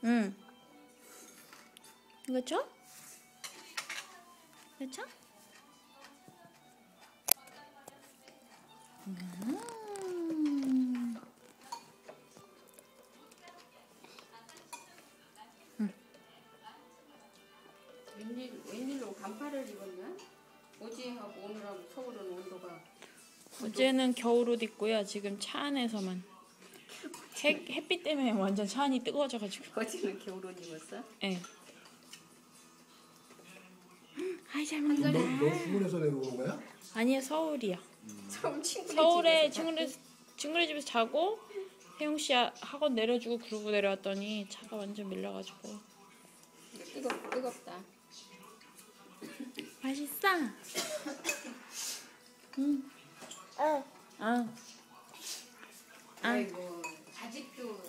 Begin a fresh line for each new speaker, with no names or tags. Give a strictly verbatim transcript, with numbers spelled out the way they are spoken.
응. 이거 줘? 이거 줘? 음. 응.
웬일, 웬일로 반팔을 입었냐? 어제하고 오늘하고 서울은 온도가.
어제는 겨울옷 입고요. 지금 차 안에서만. 해, 햇빛 때문에 완전 차 안이 뜨거워져가지고.
어제는 겨울옷 입었어?
네. 아이 잘
너,
먹는다.
너 수원에서 내려오는 거야?
아니요, 서울이요.
서울 친구네
서울에
집에서
친구네 친구네 집에서 자고 혜영 씨 학원 내려주고 그러고 내려왔더니 차가 완전 밀려가지고.
뜨겁, 뜨겁다.
맛있어. 응. 어. 아.
아이고, 아직도